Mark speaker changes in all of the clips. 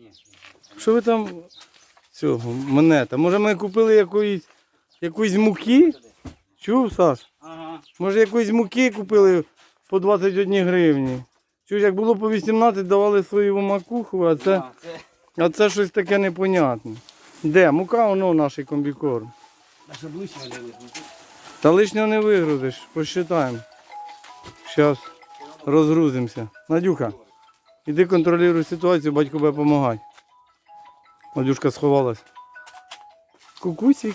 Speaker 1: Що ви там цього, монета? Може ми купили якоїсь муки? Чув, Саш?
Speaker 2: Ага.
Speaker 1: Може якоїсь муки купили по 21 гривні? Чуєш, як було по 18, давали свою макуху, а це щось таке непонятне. Де? Мука, воно наш комбікорм.
Speaker 2: Наша ближче не вийшло.
Speaker 1: Та лишнього не вигрузиш, посчитаємо. Зараз розгрузимося. Надюха, іди контролюй ситуацію, батько буде допомагати. Надюшка сховалась. Кукусик.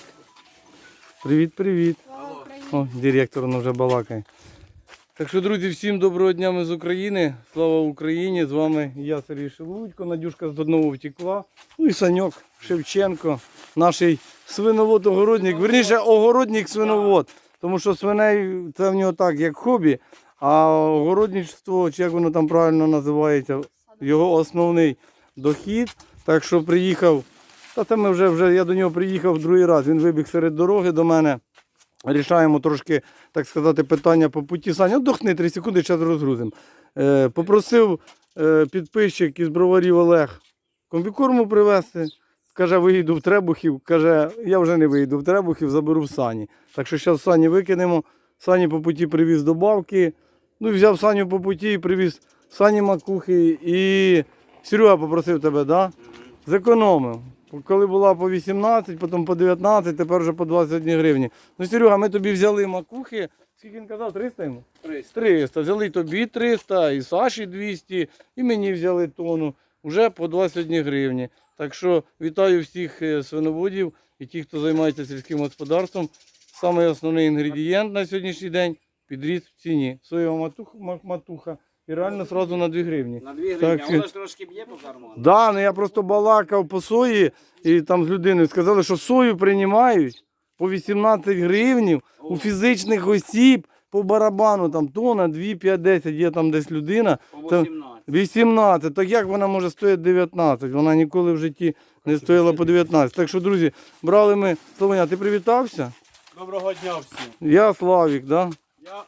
Speaker 1: Привіт. О, директор воно вже балакає. Так що, друзі, всім доброго дня, ми з України. Слава Україні! З вами я, Сергій Шелудько. Надюшка з Доднову втекла. Ну і Саньок Шевченко, наш свиновод-огородник. Верніше, огородник-свиновод. Тому що свиней це в нього так, як хобі. А огородничество, чи як воно там правильно називається, його основний дохід. Так що приїхав, та це ми вже я до нього приїхав другий раз. Він вибіг серед дороги до мене. Рішаємо трошки, так сказати, питання по путі. Саня, отдохни 3 секунди, зараз розгрузимо. Попросив підписчик із Броварів Олег комбікорму привезти. Каже, виїду в Требухів. Каже, я вже не виїду в Требухів, заберу в Сані. Так що зараз Сані викинемо. Сані по путі привіз добавки. Ну і взяв Саню по путі і привіз Сані макухи. І Серега попросив тебе, да? Зекономив. Коли була по 18, потім по 19, тепер вже по 21 гривні. Ну, Серега, ми тобі взяли макухи. Скільки він казав? 300 йому? 300. Взяли тобі 300, і Саші 200, і мені взяли тонну. Вже по 21 гривні. Так що вітаю всіх свиноводів і тих, хто займається сільським господарством. Самий основний інгредієнт на сьогоднішній день – підріс в ціні. Соєва матуха. І реально одразу на 2 гривні.
Speaker 2: На 2 гривні,
Speaker 1: Так,
Speaker 2: а воно ж трошки б'є по карману.
Speaker 1: Да, ну я просто балакав по сої і там з людиною сказали, що сою приймають по 18 гривнів у фізичних осіб по барабану, там тонна, 2, 5, 10, є там десь людина.
Speaker 2: По
Speaker 1: Це
Speaker 2: 18.
Speaker 1: 18, так як вона може стояти 19? Вона ніколи в житті не стояла по 19. Так що, друзі, брали ми, Славеня, ти привітався?
Speaker 3: Доброго дня всім.
Speaker 1: Я Славік, да?
Speaker 3: Так.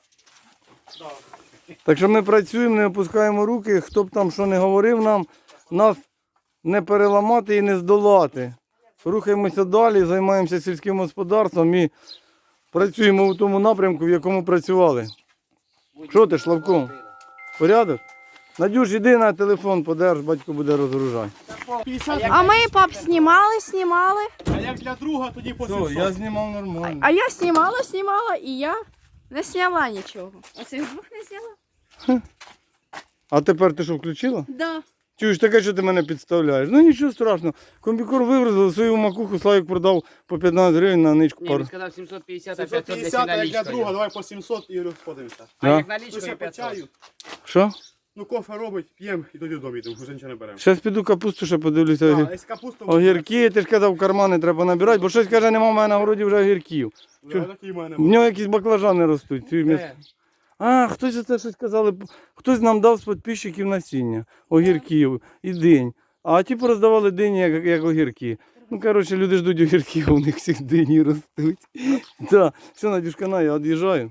Speaker 1: Так що ми працюємо, не опускаємо руки, хто б там що не говорив нам, нас не переламати і не здолати. Рухаємося далі, займаємося сільським господарством і працюємо в тому напрямку, в якому працювали. Що ти, Славко? Порядок? Надюш, іди на телефон, подерж, батько буде розгружати.
Speaker 3: 50,
Speaker 4: А ми, пап, знімали.
Speaker 3: а як для друга, тоді по
Speaker 1: Все,
Speaker 3: 700.
Speaker 1: я знімав нормально.
Speaker 4: А я знімала, і я не зняла нічого. Оцих двох не зняла?
Speaker 1: А тепер ти що, включила?
Speaker 4: Да.
Speaker 1: Чуєш, таке, що ти мене підставляєш? Ну нічого страшного. Комбікор вигрузив, свою макуху Славік продав по 15 гривень на ничку
Speaker 2: Ні,
Speaker 1: пару.
Speaker 2: він сказав 750, а 500 десь
Speaker 3: 750, а як для
Speaker 2: налічкою.
Speaker 3: друга, давай по 700 і розходимося.
Speaker 2: А
Speaker 1: Да.
Speaker 2: як
Speaker 3: Ну
Speaker 2: налічкою
Speaker 3: ще по
Speaker 2: 500.
Speaker 3: чаю.
Speaker 1: Що?
Speaker 3: Ну кофе робить, п'ємо і тоді додому йдемо, вже нічого не беремо.
Speaker 1: Зараз піду капусту ще подивлюся.
Speaker 3: А, із капусту...
Speaker 1: Огірки, ти ж казав, кармани треба набирати, бо щось каже, нема в мене на городі вже огірків.
Speaker 3: Да, такі в мене.
Speaker 1: В нього якісь баклажани ростуть. А, хтось це щось казали, хтось нам дав з підписчиків насіння, огірків і динь. А ті пороздавали дині, як огірки. Ну, коротше, люди ждуть огірків, у них всіх дині ростуть. Так, все, Надюшка, на, я від'їжджаю.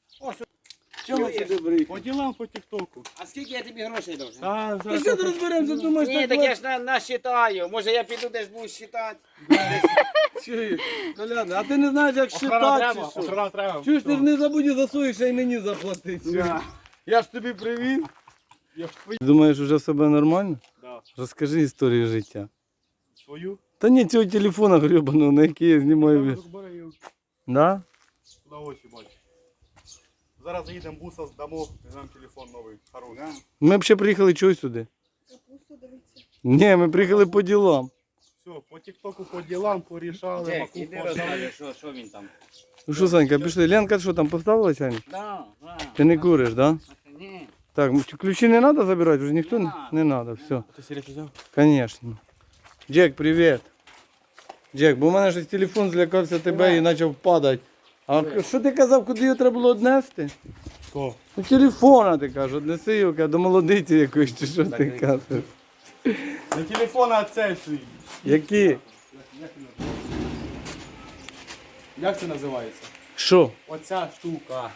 Speaker 2: Чого ти добрий?
Speaker 3: По ділам по тіктоку.
Speaker 2: А скільки я тобі грошей должен?
Speaker 3: А,
Speaker 1: Та що ти розберемося, думаєш,
Speaker 2: Ні, так я ж насчитаю. Може я піду десь буду считати.
Speaker 1: Чуєш, Коляна, а ти не знаєш, як
Speaker 3: Охрана
Speaker 1: считати,
Speaker 3: треба,
Speaker 1: чи що?
Speaker 3: охрана треба.
Speaker 1: Чуєш, ти ж не забудь за свої, ще й мені заплатити.
Speaker 3: Да.
Speaker 1: Я ж тобі привіз.
Speaker 3: Я ж твою.
Speaker 1: Думаєш, вже себе нормально?
Speaker 3: Да.
Speaker 1: Розкажи історію життя.
Speaker 3: Свою.
Speaker 1: Та ні, цього телефона гребаного, на який я знімаю. Да?
Speaker 3: На очі бачу. Зараз заїдемо буса, здамо, візьмемо телефон новий, хороший.
Speaker 1: Ми б ще приїхали чого сюди? Ні, ми приїхали по ділам.
Speaker 3: Все, по тіктоку, по ділам, порішали,
Speaker 2: Джек,
Speaker 3: макуху
Speaker 2: іди
Speaker 3: пожали.
Speaker 2: розкажи, що він там.
Speaker 1: Ну що, Санька, пішли. Ленка, що там поставила чайник?
Speaker 2: Да.
Speaker 1: Ти не куриш, да?
Speaker 2: Ні.
Speaker 1: Так, ключі не треба забирати, вже ніхто не треба, все.
Speaker 3: Ти серйозно взяв?
Speaker 1: Звісно. Джек, привіт. Джек, бо в мене щось телефон злякався тебе і почав падати. А що ти казав, куди його треба було однести?
Speaker 3: Що?
Speaker 1: Ну телефона ти кажеш, однеси його до молодиці якоїсь, чи що ти кажеш?
Speaker 3: Не телефон, а цей свій.
Speaker 1: Які?
Speaker 3: Як це називається?
Speaker 1: Що?
Speaker 3: Оця штука.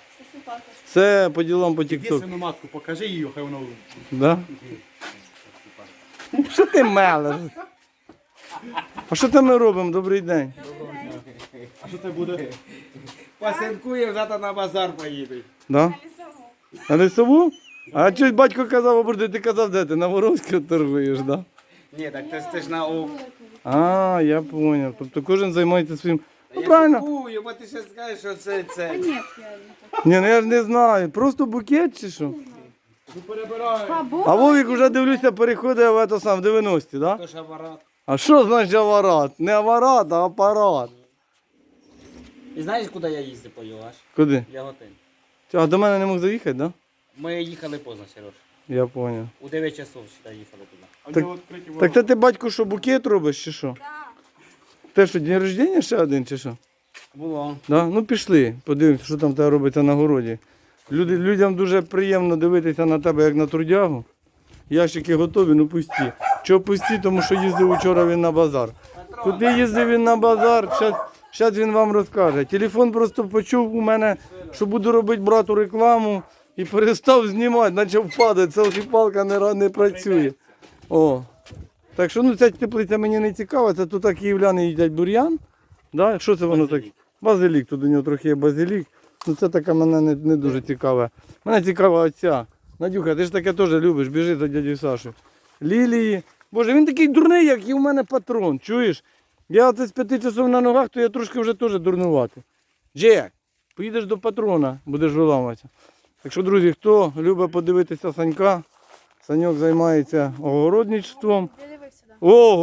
Speaker 1: Це по ділам по
Speaker 3: Іди
Speaker 1: тік-ток.
Speaker 3: свину матку, покажи її, хай воно...
Speaker 1: Да? Що ти мелеш? А що там ми робимо? Добрий день.
Speaker 3: А що це буде?
Speaker 2: Пасинкує, завтра на базар поїдуть.
Speaker 1: Да? На лісову? А щось батько казав, оборди, ти казав, де ти? На Воровській торгуєш, да?
Speaker 2: Ні, так це ж на ок.
Speaker 1: А, я зрозумів. Тобто кожен займається своїм. Ну правильно.
Speaker 2: Кую, бо ти ще скажеш, що це.
Speaker 4: Ні,
Speaker 1: Ні, ну я ж не знаю. Просто букет чи що?
Speaker 3: Ну перебираю.
Speaker 1: А Вовік вже дивлюся, переходить в ето сам, в 90-ті, да?
Speaker 2: То ж апарат.
Speaker 1: А що значить аварат? Не аварат, а апарат.
Speaker 2: І знаєш, куди я їздив по його аж?
Speaker 1: Куди?
Speaker 2: Я готель.
Speaker 1: А до мене не мог заїхати, да?
Speaker 2: Ми їхали поздно, Сереж.
Speaker 1: Я зрозумів.
Speaker 2: У 9 часов сюди їхали туди.
Speaker 3: А в
Speaker 1: Так-
Speaker 3: нього відкриті
Speaker 1: Так
Speaker 3: ворота.
Speaker 1: це ти, батько, що букет робиш чи що? Те що, день рождення ще один чи що?
Speaker 2: Було.
Speaker 1: Да? Ну пішли, подивимося, що там в тебе робиться на городі. Людям дуже приємно дивитися на тебе, як на трудягу. Ящики готові, ну пусті. Чого пусті? Тому що їздив учора він на базар. Куди їздив він на базар? Зараз він вам розкаже. Телефон просто почув у мене, що буду робити брату рекламу і перестав знімати, наче впаде. Селфі-палка не працює. О. Так що ну, ця теплиця мені не цікава, це тут київляни їдять бур'ян. Да? Що це воно так? Базилік, тут у нього трохи є базилік. Ну це таке мене не дуже цікаве. Мене цікава оця. Надюха, ти ж таке теж любиш, біжи за дядю Сашу. Лілії. Боже, він такий дурний, як і у мене патрон, чуєш? Я оце з 5 часов на ногах, то я трошки вже теж дурнувати. Джек, поїдеш до патрона, будеш виламатися. Так що, друзі, хто любить подивитися Санька, Саньок займається огородничеством.
Speaker 4: Ти дивився, да?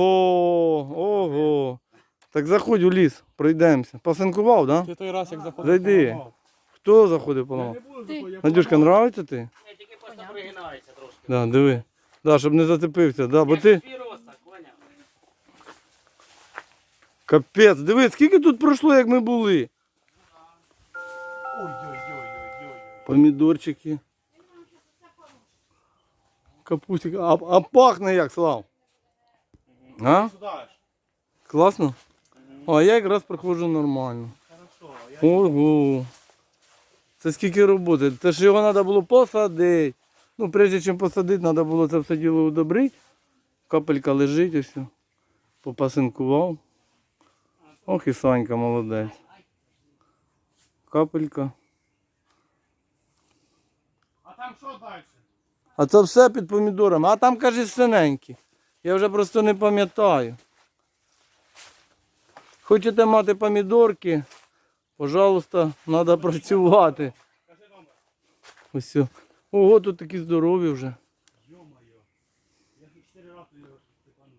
Speaker 1: Ого. Так заходь у ліс, пройдемося. Посинкував, так? Да?
Speaker 3: Ти той раз як заходив.
Speaker 1: Зайди.
Speaker 3: поламав.
Speaker 1: Хто заходив поламав?
Speaker 3: Я не буду
Speaker 4: Ти.
Speaker 3: заходити, я
Speaker 1: Надюшка,
Speaker 3: поламав.
Speaker 1: нравиться ти?
Speaker 2: Я тільки просто пригинається трошки.
Speaker 1: Да, диви. Да, щоб не зацепився. Да, бо ти...
Speaker 2: Свій рост, так, поняв?
Speaker 1: Капець, диви, скільки тут пройшло, як ми були.
Speaker 3: Ой-ой-ой-ой-ой.
Speaker 1: Помідорчики. Капустик. А пахне як, Слав? А?
Speaker 3: Сюди ж.
Speaker 1: Класно? А я якраз проходжу нормально.
Speaker 3: Хорошо. Я
Speaker 1: Ого. Це скільки роботи. Це ж його треба було посадити. Ну, прежде чим посадити, треба було це все діло удобрити. Капелька лежить і все. Попасинкував. Ох і Санька молодець. Капелька.
Speaker 3: А там що далі?
Speaker 1: А це все під помідорами. А там, каже, синенькі. Я вже просто не пам'ятаю. Хочете мати помідорки? Пожалуйста, треба працювати.
Speaker 3: Кажи номер.
Speaker 1: Ось. Все. Ого, тут такі здорові вже.
Speaker 3: Йо-моє. Я тут 4 рази його степанув.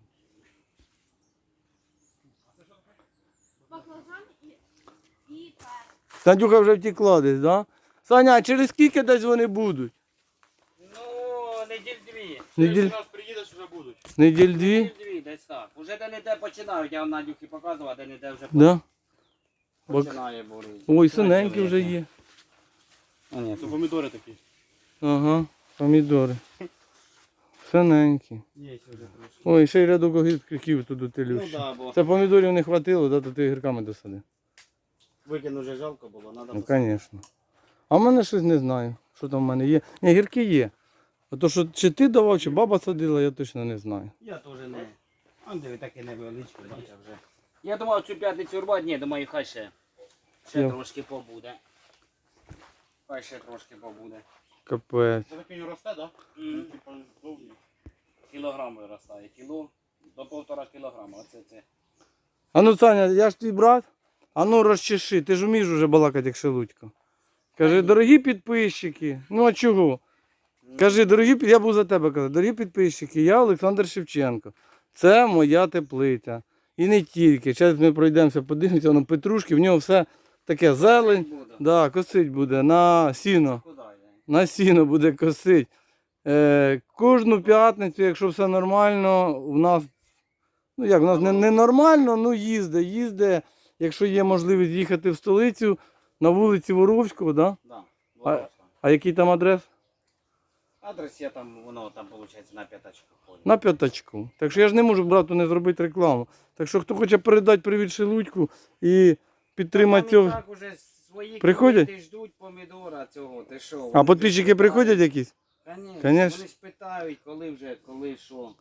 Speaker 4: Баклажан і перець.
Speaker 1: Надюха вже втекла десь, да? Саня, а через скільки десь вони будуть?
Speaker 2: Ну, неділь дві.
Speaker 1: Неділь,
Speaker 3: Раз приїдеш, вже будуть.
Speaker 1: неділь дві?
Speaker 2: Неділь дві, десь так. Уже де-не-де починають, я вам Надюхі показував, а де-не-де вже
Speaker 1: Да?
Speaker 2: починає борити.
Speaker 1: Ой, синенькі вже є.
Speaker 2: А, ні,
Speaker 3: Це помідори такі.
Speaker 1: Ага, помідори. Синенькі.
Speaker 2: є ще вже трошки.
Speaker 1: Ой, ще й рядок огірків туди
Speaker 2: Ну
Speaker 1: телюш.
Speaker 2: да, бо
Speaker 1: Це помідорів не хватило, да, то ти гірками досадив.
Speaker 2: викину вже жалко було, треба.
Speaker 1: Ну, звісно. А в мене щось не знаю, що там в мене є. Ні, гірки є. А то, що чи ти давав, чи баба садила, я точно не знаю.
Speaker 2: Я теж не. А диви, таке невеличке, бачиш вже. Я думав цю п'ятницю рвати, ні, думаю, хай ще
Speaker 1: Йо.
Speaker 2: трошки побуде. Хай ще трошки побуде.
Speaker 1: Капець.
Speaker 3: Це так він росте, так?
Speaker 2: Мгм.
Speaker 3: Типа довгий.
Speaker 2: Кілограм виростає, кіло до 1,5 кілограма. Оце це.
Speaker 1: А ну, Саня, я ж твій брат. А ну розчеши, ти ж вмієш уже балакати як шелудько. Кажи, дорогі підписчики. Ну а чого? Кажи, я був за тебе казав, дорогі підписчики, я Олександр Шевченко. Це моя теплиця. І не тільки. Зараз ми пройдемося, подивимося, воно петрушки, в нього все таке зелень.
Speaker 2: Буде.
Speaker 1: Да, косить буде на сіно.
Speaker 2: Куди йде?
Speaker 1: На сіно буде косить. Кожну п'ятницю, якщо все нормально, у нас, ну як, у нас не нормально, ну їздить. Якщо є можливість їхати в столицю, на вулиці Воровського, да?
Speaker 2: Да, Воровська.
Speaker 1: А який там адрес?
Speaker 2: Адрес я там, воно там, виходить, на п'ятачку ходить.
Speaker 1: На п'ятачку. Так що я ж не можу брату не зробити рекламу. Так що хто хоче передати привіт Шелудьку і підтримати
Speaker 2: Там і
Speaker 1: цього.
Speaker 2: так уже свої
Speaker 1: Приходять?
Speaker 2: клієнти ждуть помідора цього, ти що?
Speaker 1: А підписчики приходять якісь?
Speaker 2: Конечно.
Speaker 1: Конечно.
Speaker 2: Вони ж питають, коли вже, коли що.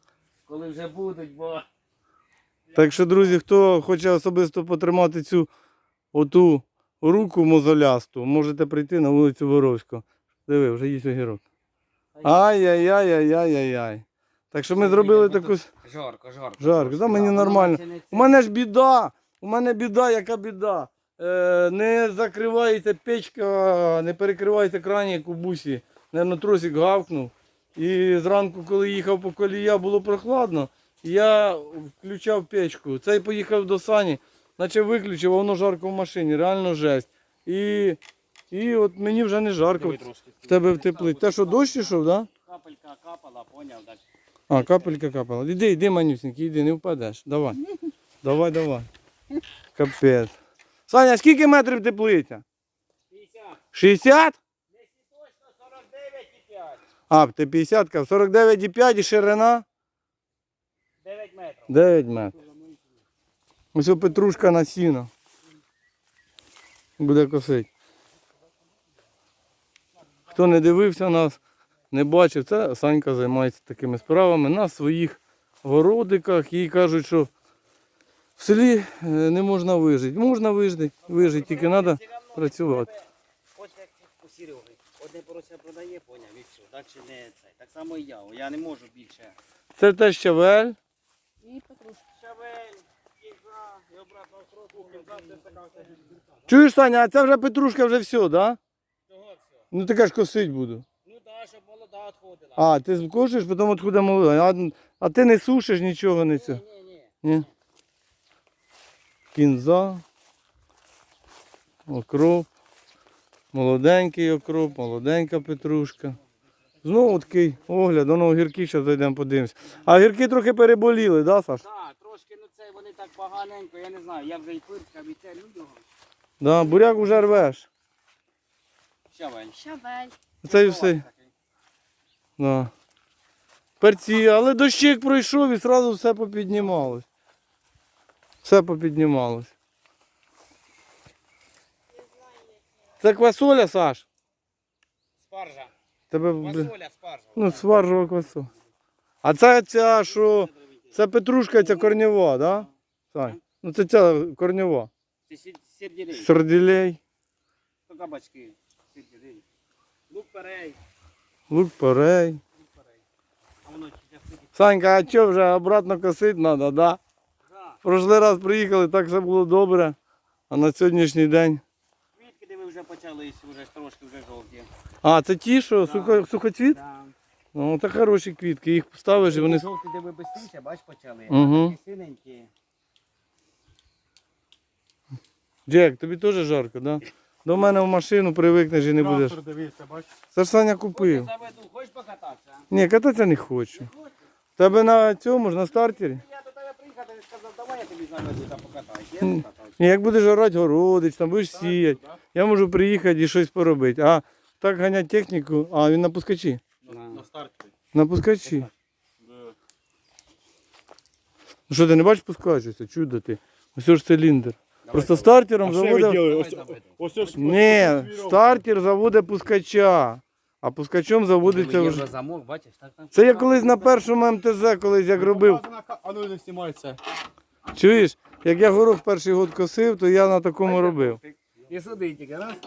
Speaker 2: Коли вже будуть, бо...
Speaker 1: Так що, друзі, хто хоче особисто потримати цю оту руку мозолясту, можете прийти на вулицю Воровську. Диви, вже є огірок. Ай-яй-яй-яй-яй-яй. Так що ми зробили таку...
Speaker 2: Жарко.
Speaker 1: Жарко, да, мені нормально. У мене ж біда, яка біда. Не закривається печка, не перекривається кранік у бусі. Наверно, тросик гавкнув. І зранку, коли їхав по колія, було прохладно. Я включав печку. Цей поїхав до Сані, наче виключив, а воно жарко в машині, реально жесть. І от мені вже не жарко. В тебе в теплі. Те, що дощ ішов, так? Да?
Speaker 2: Капелька капала, поняв, так.
Speaker 1: А, капелька капала. Іди, манюсенький, іди, не впадеш. Давай. Давай. Капець. Саня, скільки метрів теплиця?
Speaker 2: 50.
Speaker 1: 60?
Speaker 2: Десь точно 49,5.
Speaker 1: А, ти 50, 49,5 і ширина?
Speaker 2: 9 метрів.
Speaker 1: 9 метрів. Ось о петрушка на сіно. Буде косить. Хто не дивився нас, не бачив, це Санька займається такими справами на своїх городиках. І кажуть, що в селі не можна вижити. Можна вижити, тільки треба працювати.
Speaker 2: Ось як у Сереги. Одне порося продає, поняв, і все. Далі не це. Так само і я. Я не можу більше.
Speaker 1: Це те щавель.
Speaker 4: І петрушка.
Speaker 2: Щавель, кінза, і обратно сроку, кінза, це така все.
Speaker 1: Чуєш, Саня, а це вже петрушка вже все, так? Да?
Speaker 2: Того все.
Speaker 1: Ну ти ж косить буду.
Speaker 2: Ну так, щоб молода відходила.
Speaker 1: А, ти кошиш, потім відходить молода. А ти не сушиш нічого не це.
Speaker 2: Ні.
Speaker 1: Ні. Кінза, окроп, молоденький окроп, молоденька петрушка. Знову такий огляд, воно огірки, зараз зайдемо подивимось. А огірки трохи переболіли, да, Саш?
Speaker 2: Так, трошки, ну це вони так поганенько, я не знаю, я вже і пирскав, і це людям.
Speaker 1: Да, буряк вже рвеш.
Speaker 2: Щавель.
Speaker 4: Щавель.
Speaker 1: Це і все. Да. Перці, але дощик пройшов і одразу все попіднімалось. Все попіднімалось. Це квасоля, Саш?
Speaker 2: Спаржа.
Speaker 1: Тебе, блін,
Speaker 2: Фасоля, спаржа.
Speaker 1: ну, спаржова квасоля. А це ця, що, це петрушка, ця корнєва, да? Сань? Ну це ця корнєва.
Speaker 2: Це серділей.
Speaker 1: Сарділей,
Speaker 2: То кабачки. Серділей. Лук перей.
Speaker 1: лук-порей.
Speaker 2: А воно чи
Speaker 1: Санька, а що вже обратно косити треба, да?
Speaker 2: Да.
Speaker 1: Прошлий раз приїхали, так все було добре. А на сьогоднішній день.
Speaker 2: Квітки, де ви вже почали, вже трошки вже жовті.
Speaker 1: А, це ті, що
Speaker 2: Да.
Speaker 1: сухоцвіт?
Speaker 2: Да.
Speaker 1: Ну, це хороші квітки, їх ставиш і вони.
Speaker 2: Жовті, де ви бистріше, бач, почали.
Speaker 1: Мгм.
Speaker 2: А такі синенькі.
Speaker 1: Джек, тобі теж жарко, да? До мене в машину привикнеш і не будеш.
Speaker 3: Трактор, дивіться, бачиш?
Speaker 1: Це ж Саня
Speaker 2: Хочеш
Speaker 1: купив.
Speaker 2: заведу, хочеш покататися?
Speaker 1: Ні, кататися не хочу. Тебе на цьому ж, на стартері?
Speaker 2: Я до тебе приїхав, ти сказав, давай я тобі заведу та покатаюсь. Я
Speaker 1: Ні.
Speaker 2: покатався.
Speaker 1: Ні, як будеш орати городич, там будеш сіяти.
Speaker 3: Да?
Speaker 1: Я можу приїхати і щось поробити. А так ганять техніку, а він на пускачі.
Speaker 3: На старті.
Speaker 1: На пускачі.
Speaker 3: Да.
Speaker 1: Ну що, ти не бачиш пускачуся? Чудо ти. Ось ж циліндр. Просто стартером
Speaker 3: А що ви
Speaker 1: заводив.
Speaker 3: робили?
Speaker 2: Давай,
Speaker 3: Ось ж.
Speaker 1: Ні, стартер заводить пускача, а пускачом заводиться
Speaker 2: Є
Speaker 1: вже.
Speaker 2: вже замок, бачиш, так там.
Speaker 1: Це я колись на першому МТЗ, колись як робив.
Speaker 3: А ну не знімай це.
Speaker 1: Чуєш, як я горох перший год косив, то я на такому робив.
Speaker 2: І сюди тільки, раз.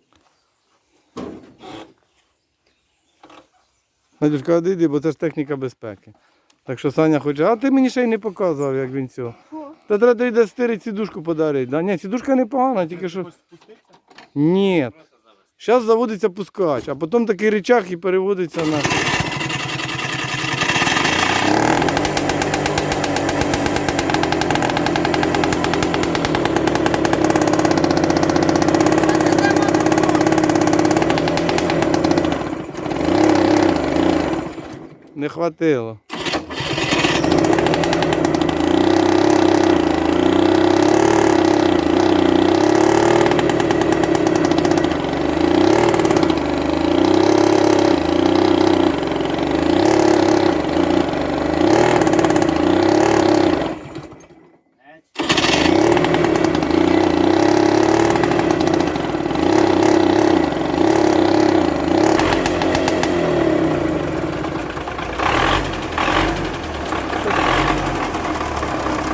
Speaker 1: Надюшка, одійди, бо це ж техніка безпеки. Так що Саня хоче, а ти мені ще й не показував, як він цього. Та треба йде стирити сідушку подарити. Да? Ні, сідушка непогана, тільки що.
Speaker 3: Хочеш спуститися?
Speaker 1: Ні. Зараз заводиться пускач, а потім такий рычаг і переводиться на. Не хватило.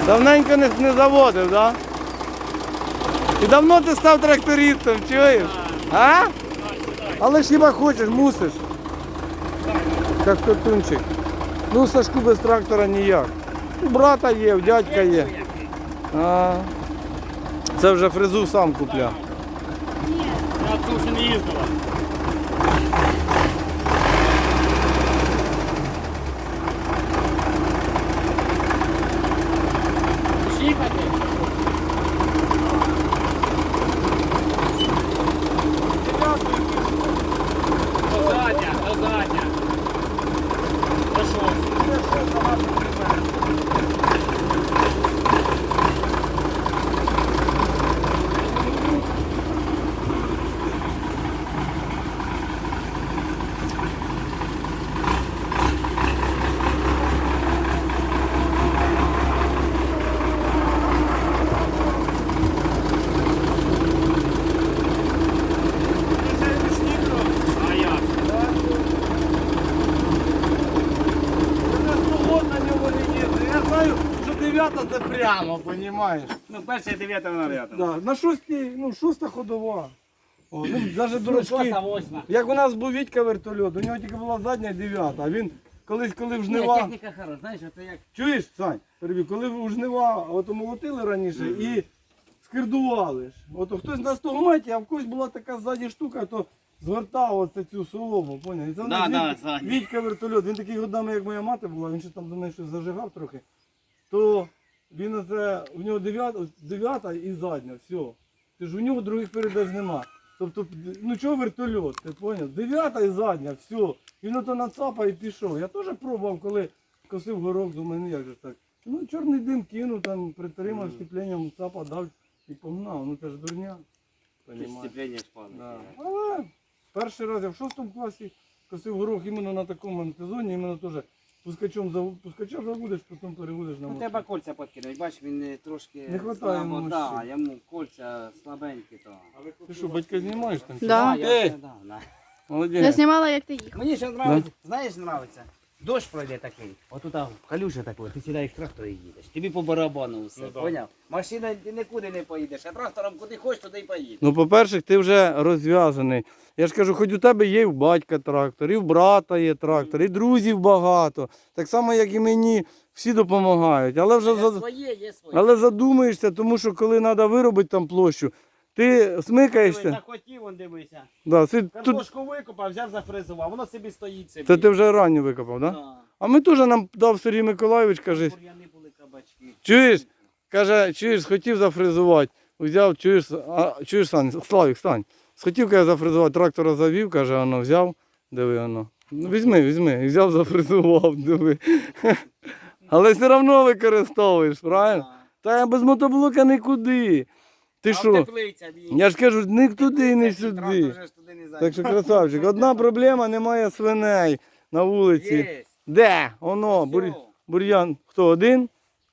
Speaker 1: Давненько не заводив, так? Да? І давно ти став трактористом, чуєш? А? Але ж хіба хочеш, мусиш. Як котунчик. Ну, Сашку без трактора ніяк. У брата є, у дядька є. А, це вже фрезу сам купляв.
Speaker 3: Я тут ще не їздила.
Speaker 2: Шіпати?
Speaker 3: До задня, до задня. До що? А як?
Speaker 1: Я знаю, що 9 це прямо, розумієш?
Speaker 3: Ну, перша 9 вона рядом.
Speaker 1: Да, на 6-й, ну 6-та ходова. О, ну, навіть дурачки.
Speaker 2: 6-8.
Speaker 1: Як у нас був Вітька вертольот, у нього тільки була задня 9, а він коли в
Speaker 2: Ні,
Speaker 1: жнива.
Speaker 2: техніка хороша, знаєш, це як...
Speaker 1: Чуєш, Сань, перебіг, коли у жнива от молотили раніше і скирдували ж. От хтось на стогматі, а в когось була така ззаді штука, то звертав оце цю солому, поняв? І це в нас
Speaker 2: Да,
Speaker 1: Вітька,
Speaker 2: да,
Speaker 1: Вітька вертольот, він такий годами, як моя мати була, він ще там до неї щось зажигав трохи, то він оце, у нього 9 і задня, все. Ти ж у нього других передач нема. Тобто, ну чого вертольот, ти поняв? 9 і задня, все. Він ото нацапав і пішов. Я теж пробував, коли косив горох, думаю, ну як же так. Ну чорний дим кинув, там притримав щепленням, цапа дав і погнав. Ну це ж дурня. Понімаєш?
Speaker 2: Сцеплення спали.
Speaker 1: Да. Але перший раз я в 6 класі косив горох іменно на такому антизоні, іменно теж пускача заводиш, потім переводиш на
Speaker 2: У
Speaker 1: мотор.
Speaker 2: тебе кольця підкинуть, бачиш, він трошки
Speaker 1: Не хватає йому
Speaker 2: слабо, да,
Speaker 1: мощі.
Speaker 2: йому кольця слабенькі. То.
Speaker 1: Ти що, батька знімаєш там? чи
Speaker 4: Да.
Speaker 1: що?
Speaker 2: Я
Speaker 1: Ей,
Speaker 2: все, да.
Speaker 1: молодець.
Speaker 4: Я знімала, як ти їхав.
Speaker 2: Мені ще подобається, знаєш, подобається? Дощ пройде такий, отут калюжа такий, ти сідаєш в трактор і їдеш. Тобі по барабану все,
Speaker 3: Ну, да.
Speaker 2: поняв? Машина ти нікуди не поїдеш, а трактором куди хочеш, туди й поїдеш.
Speaker 1: Ну, по-перше, ти вже розв'язаний. Я ж кажу, хоч у тебе є і в батька трактор, і в брата є трактор, і друзів багато. Так само, як і мені, всі допомагають. Але вже
Speaker 2: Є своє, є своє.
Speaker 1: але задумаєшся, тому що коли треба виробити там площу, ти
Speaker 2: Дивись,
Speaker 1: смикаєшся.
Speaker 2: захотів, он дивися.
Speaker 1: Да, тут,
Speaker 2: Картошку викопав, взяв, зафрезував, воно собі стоїть собі.
Speaker 1: це ти вже ранню викопав, так? Да?
Speaker 2: Да.
Speaker 1: А ми теж нам дав Сергій Миколайович, каже,
Speaker 2: Бур'яни були, кабачки.
Speaker 1: чуєш? Каже, чуєш, хотів зафрезувати. Взяв, чуєш, Сань, Славік, стань. Схотів, каже, зафрезувати, трактора завів, каже, воно взяв, диви воно. Ну, візьми. І взяв, зафрезував, диви. Але все одно використовуєш, правильно?
Speaker 2: Да.
Speaker 1: Та я без мотоблока нікуди. Ти
Speaker 2: А
Speaker 1: що?
Speaker 2: теплиця, ні.
Speaker 1: Я ж кажу, ні туди, ні
Speaker 2: Трактор
Speaker 1: сюди.
Speaker 2: же ж туди не зайде.
Speaker 1: Так що, красавчик, одна проблема, немає свиней на вулиці.
Speaker 2: Є.
Speaker 1: Де? Воно,
Speaker 2: Всьо.
Speaker 1: бур'ян. Хто, один?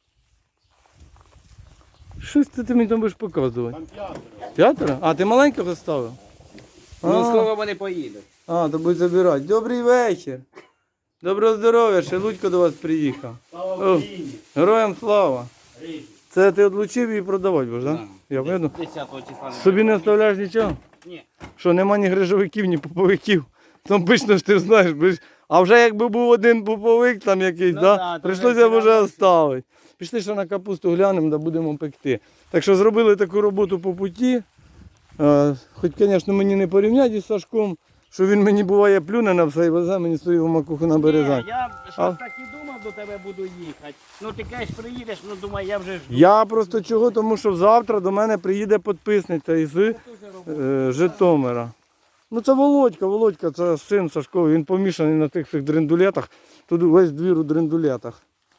Speaker 1: Щось ти мені там будеш показувати.
Speaker 3: Там 5.
Speaker 1: 5? А, ти маленького ставив?
Speaker 2: Ну,
Speaker 1: А.
Speaker 2: скоро вони поїдуть.
Speaker 1: А, то будуть забирати. Добрий вечір. Доброго здоров'я, ще Лудько до вас приїхав.
Speaker 3: Слава
Speaker 1: О,
Speaker 3: Україні.
Speaker 1: героям слава.
Speaker 3: Різні.
Speaker 1: Це ти відлучив і продавати будеш, так?
Speaker 2: Да.
Speaker 1: Я видно.
Speaker 2: 10-го числа.
Speaker 1: Собі не оставляєш нічого?
Speaker 2: Ні.
Speaker 1: Що, нема ні грижовиків, ні поповиків. Там пично ж ти ж знаєш, а вже якби був один поповик там якийсь,
Speaker 2: Ну
Speaker 1: да?
Speaker 2: да, то
Speaker 1: Прийшлося
Speaker 2: вже
Speaker 1: б вже
Speaker 2: все
Speaker 1: оставити. Пішли ще на капусту глянемо, да будемо пекти. Так що зробили таку роботу по путі. Хоч, звісно, мені не порівняти із Сашком, що він мені буває плюне на все і везе мені свою макуху на березань.
Speaker 2: Ні, я
Speaker 1: А?
Speaker 2: щось так і думав, до тебе буду їхати. Ну ти кажеш, приїдеш, ну думаю, я вже жду.
Speaker 1: Я просто чого, тому що завтра до мене приїде підписниця із
Speaker 2: Дуже робота.
Speaker 1: Житомира. Ну це Володька, це син Сашковий, він помішаний на тих всіх дрендулетах. Тут весь двір у дрендулетах.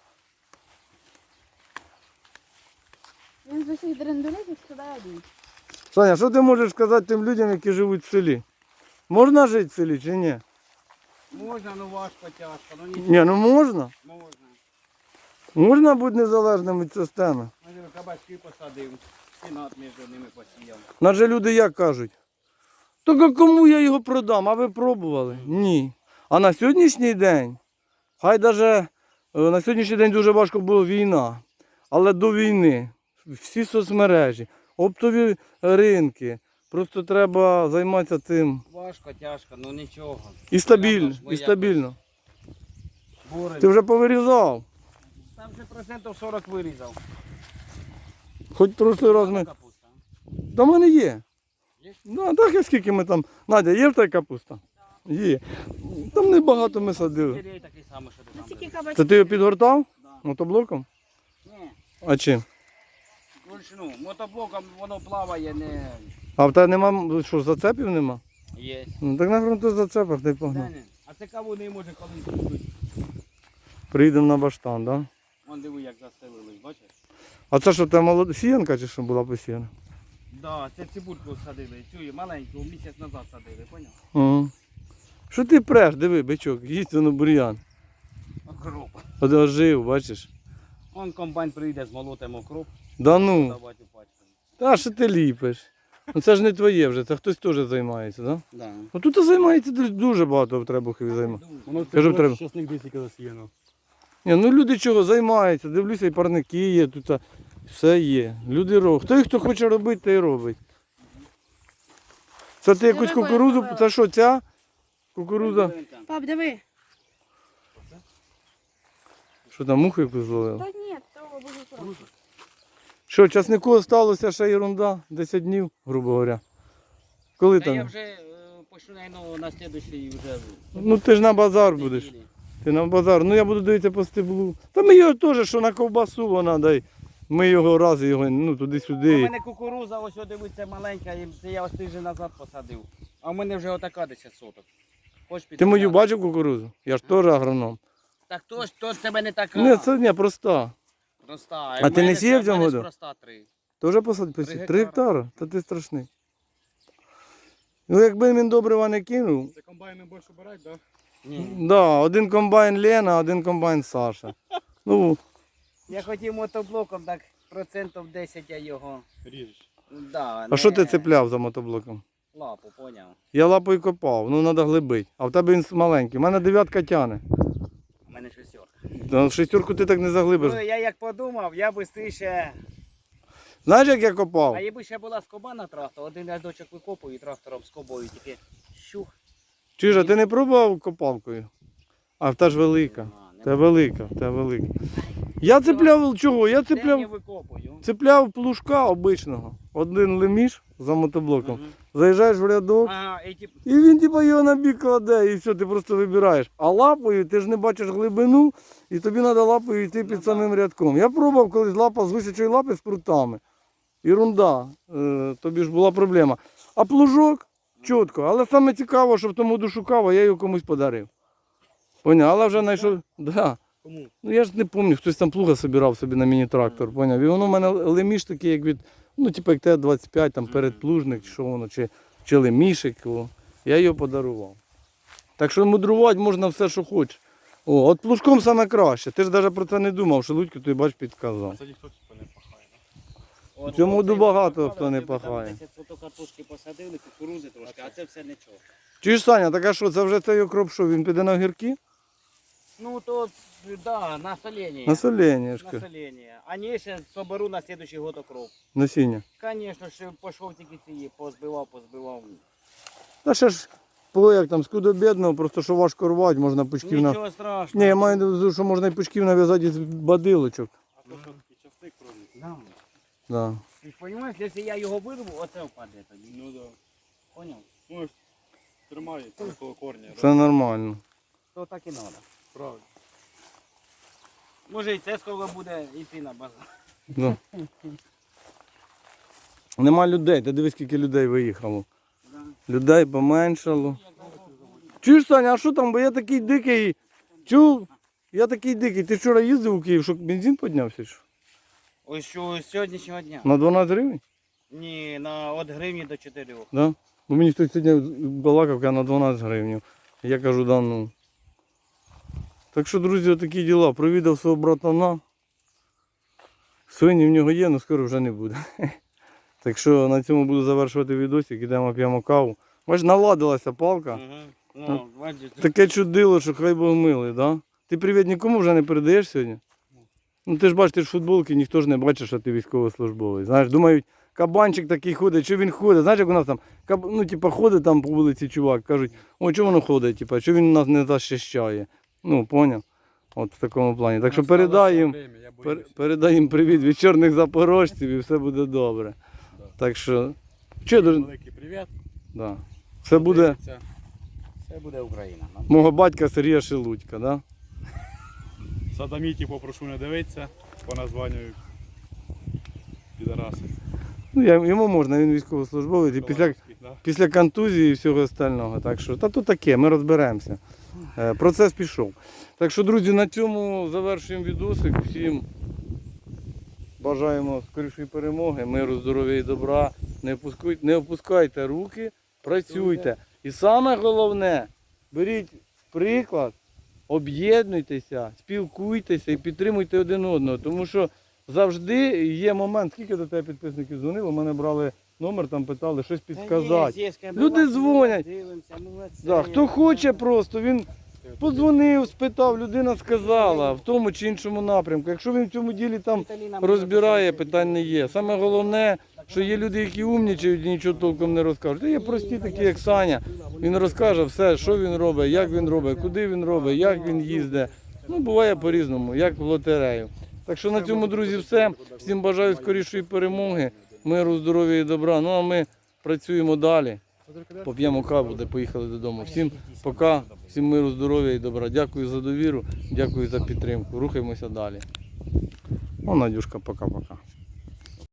Speaker 4: Він з усіх дрендулетів складає один.
Speaker 1: Саня, що ти можеш сказати тим людям, які живуть в селі? Можна жити в селі чи ні?
Speaker 2: Можна, ну важко, тяжко, ну нічого.
Speaker 1: Ні, ну можна.
Speaker 2: Можна.
Speaker 1: Можна бути незалежним від системи.
Speaker 2: Ну, кабачки посадив, стінат між ними посіяв.
Speaker 1: Адже люди як кажуть? Так а кому я його продам? А ви пробували? Ні. А на сьогоднішній день, хай даже на сьогоднішній день дуже важко була війна. але до війни. Всі соцмережі, оптові ринки. Просто треба займатися цим.
Speaker 2: Важко, тяжко, ну нічого.
Speaker 1: І стабільно,
Speaker 2: Ми
Speaker 1: і стабільно.
Speaker 2: Боремось.
Speaker 1: Ти вже повирізав.
Speaker 2: Там вже процентів 40 вирізав.
Speaker 1: Хоч прошлий раз ми.
Speaker 2: Капуста.
Speaker 1: Та в мене є.
Speaker 2: Є?
Speaker 1: Ну, а так і скільки ми там. Надя, є в тебе капуста? Є. Там небагато ми садили.
Speaker 2: Сирій такий самий, що ти там
Speaker 4: Наскільки
Speaker 2: береш.
Speaker 4: кабачків?
Speaker 1: Це ти його підгортав?
Speaker 2: Да.
Speaker 1: Мотоблоком?
Speaker 2: Ні,
Speaker 1: А чим?
Speaker 2: вручну. Мотоблоком воно плаває, не
Speaker 1: А в тебе нема, що, зацепів нема?
Speaker 2: є.
Speaker 1: Ну так на фронту зацепах ти
Speaker 2: Да,
Speaker 1: погнав.
Speaker 2: ні. А це каву не може коли бути.
Speaker 1: Приїдемо на баштан, так? Да?
Speaker 2: Вон диви, як застелились, бачиш?
Speaker 1: А це що, там сіянка чи що була посіяна?
Speaker 2: Да, це цибульку садили, цю маленьку, місяць назад садили, поняв?
Speaker 1: Ага. Що ти преш, диви, бичок, їсть воно бур'ян.
Speaker 2: Окроп.
Speaker 1: От ожив, бачиш?
Speaker 2: Вон комбайн прийде, змолотимо окроп,
Speaker 1: Да ну,
Speaker 2: давати у пачку.
Speaker 1: та що ти ліпиш? Ну це ж не твоє вже, це хтось теж займається, так? Да?
Speaker 2: Да.
Speaker 1: Ну тут займається дуже багато в Требухові займається.
Speaker 3: Воно це
Speaker 1: Кажу, треба.
Speaker 3: щасник десь яка засіяно.
Speaker 1: Ні, ну люди чого займаються, дивлюся, і парники є, тут все є. Люди роблять. Хто хоче робити, той і робить. Це ти якусь
Speaker 4: Диви,
Speaker 1: кукурудзу,
Speaker 4: поїхала.
Speaker 1: це що, ця кукурудза?
Speaker 4: Пап, диви.
Speaker 1: Що там, муху якусь зловила?
Speaker 4: Та ні, того буде просто.
Speaker 1: Що, часнику залишилося ще ерунда, 10 днів, грубо говоря. Коли
Speaker 2: Та я
Speaker 1: там?
Speaker 2: вже почну, наверное, на слідуючий вже.
Speaker 1: Ну ти ж на базар будеш.
Speaker 2: неділі.
Speaker 1: Ти на базар. Ну я буду дивитися по стеблу. Та ми його теж, що на ковбасу вона дай. Ми його раз його, ну
Speaker 2: У
Speaker 1: туди-сюди.
Speaker 2: мене кукуруза, ось дивиться маленька, і це я ось тиждень назад посадив. А в мене вже отака 10 соток. Хочеш піти?
Speaker 1: Ти мою бачив кукурудзу? Я ж теж агроном.
Speaker 2: Так то ж тебе не така.
Speaker 1: Ні, це не проста.
Speaker 2: Проста.
Speaker 1: А ти не сіяв в цьому году?
Speaker 2: Проста 3.
Speaker 1: Теж посадити? 3
Speaker 2: гектара.
Speaker 1: гектара? Та ти страшний. Ну якби він добрива не кинув.
Speaker 3: Це комбайни більше беруть, так?
Speaker 2: Ні.
Speaker 1: Да, один комбайн Лена, один комбайн Саша. Ну,
Speaker 2: Я хотів мотоблоком, так процентів 10 я його.
Speaker 3: Ріжеш.
Speaker 2: Да,
Speaker 1: а що ти цепляв за мотоблоком?
Speaker 2: Лапу, поняв.
Speaker 1: Я лапою копав, ну треба глибить. А в тебе він маленький. У мене 9 тяне.
Speaker 2: У мене шестерка.
Speaker 1: Та шестерку ти так не заглибиш.
Speaker 2: Ну, я як подумав, я швидше.
Speaker 1: Знаєш, як я копав?
Speaker 2: А якби ще була скоба на трактор, один рядочок викопую і трактором скобою тільки щух.
Speaker 1: Чижа, ти не пробував копалкою? А в та ж велика. Та велика, та велика. Я цепляв чого? Я
Speaker 2: Я
Speaker 1: цепляв,
Speaker 2: викопую.
Speaker 1: цепляв плужка обичного. Один леміш за мотоблоком.
Speaker 2: Мгм.
Speaker 1: Заїжджаєш в рядок,
Speaker 2: Ага, і тип,
Speaker 1: і він типа його на бік кладе, і все, ти просто вибираєш. А лапою ти ж не бачиш глибину, і тобі треба лапою йти під
Speaker 2: да.
Speaker 1: самим рядком. Я пробував колись лапа з висячої лапи з прутами. Ірунда, тобі ж була проблема. А плужок чітко. Але саме цікаво, що в тому году шукав, а я його комусь подарив. Поняв, але вже знайшов. Да.
Speaker 3: Кому?
Speaker 1: Ну я ж не пам'ятаю, хтось там плуга собирав собі на міні-трактор, поняв. І воно в мене леміш такий, як від, ну типу як Т-25, там передплужник, чи що воно, чи лемішик. О. Я його подарував. Так що мудрувати можна все, що хочеш. О, от плужком саме краще. Ти ж навіть про це не думав, що Лудько тобі бач підказав.
Speaker 3: Це ніхто типу не пахає, так?
Speaker 2: от,
Speaker 1: В цьому
Speaker 2: оцей
Speaker 1: багато
Speaker 2: посадили,
Speaker 1: хто не
Speaker 2: типу, там
Speaker 1: пахає.
Speaker 2: 10 соток картошки посадили, кукурузи трошки, а це все нічого.
Speaker 1: Чи ж Саня, так а що, це вже цей окроп, що він піде на огірки?
Speaker 2: Ну то, да, на солення.
Speaker 1: На солення,
Speaker 2: На
Speaker 1: ж кажу.
Speaker 2: солення. А не, ще соберу на следующий год окроп.
Speaker 1: Насіння.
Speaker 2: Звісно, ще пішов тільки ці, позбивав.
Speaker 1: Та ще ж, як там, скудо бідного, просто що важко рвати, можна пучків на...
Speaker 2: Нічого страшного.
Speaker 1: Ні, я маю на увазі, що можна і пучків нав'язати з бадилочок.
Speaker 3: А то що і частик проліз.
Speaker 2: Да.
Speaker 1: Да.
Speaker 2: Ти ж розумієш, якщо я його вирву, оце впаде тоді.
Speaker 3: Ну так.
Speaker 2: Поняв?
Speaker 3: Ну ж тримається коло корня.
Speaker 1: Це нормально.
Speaker 2: То так і треба.
Speaker 3: Правильно.
Speaker 2: Може і це скоро буде йти на базар.
Speaker 1: Да. Нема людей, ти дивись, скільки людей виїхало.
Speaker 2: Да.
Speaker 1: Людей поменшало. Чуєш, Саня, а що там, бо я такий дикий. Чув? Я такий дикий. Ти вчора їздив у Київ, що бензин піднявся? Що?
Speaker 2: Ось що з сьогоднішнього дня.
Speaker 1: На 12 гривень?
Speaker 2: Ні, на від гривні до 4.
Speaker 1: Да? Бо мені хтось сьогодні балакав, каже, на 12 гривень. Я кажу, да ну. Так що, друзі, отакі діла. Провідав свого братана. Свині в нього є, але скоро вже не буде. Так що на цьому буду завершувати відосик, ідемо п'ємо каву. Бач, наладилася палка.
Speaker 2: Угу. Ну, бачиш.
Speaker 1: Таке чудило, що хай Бог милий, да? Ти привіт нікому вже не передаєш сьогодні? Ну ти ж бачиш, ти ж в футболці, ніхто ж не бачить, що ти військовослужбовець. Знаєш, думають, кабанчик такий ходить, що він ходить. Знаєш, як у нас там, ну, типа, ходить там по вулиці чувак, кажуть, о, чого воно ходить, типа, що він нас не захищає. Ну, поняв? От в такому плані. Так що передай їм, передай їм привіт від чорних запорожців і все буде добре.
Speaker 3: Да.
Speaker 1: Так що, що дуже,
Speaker 3: Великий привіт.
Speaker 1: да. Все буде
Speaker 3: Дивіться.
Speaker 2: Це буде Україна.
Speaker 1: мого батька Сергія Шелудька, да?
Speaker 3: Садоміті попрошу не дивитися, по названню підараси.
Speaker 1: Ну, йому можна, він військовослужбовець і після контузії і всього остального. Так що, та то таке, ми розберемося. Процес пішов. Так що, друзі, на цьому завершуємо відосик. Всім бажаємо скорішої перемоги, миру, здоров'я і добра. Не опускайте руки, працюйте. І саме головне, беріть приклад, об'єднуйтеся, спілкуйтеся і підтримуйте один одного. Тому що завжди є момент, скільки до тебе підписників дзвонило, мене брали номер, там питали, щось підказати. Люди дзвонять. Да, хто хоче просто, він подзвонив, спитав, людина сказала в тому чи іншому напрямку. Якщо він в цьому ділі там розбирає, питань не є. Саме головне, що є люди, які умнічають і нічого толком не розкажуть. Та є прості такі, як Саня. Він розкаже все, що він робить, як він робить, куди він робить, як він їздить. Ну, буває по-різному, як в лотерею. Так що на цьому, друзі, все. Всім бажаю скорішої перемоги, миру, здоров'я і добра. Ну а ми працюємо далі. Поп'ємо каву, де поїхали додому. Всім пока, всім миру, здоров'я і добра. Дякую за довіру, дякую за підтримку. Рухаємося далі. О, Надюшка, пока-пока.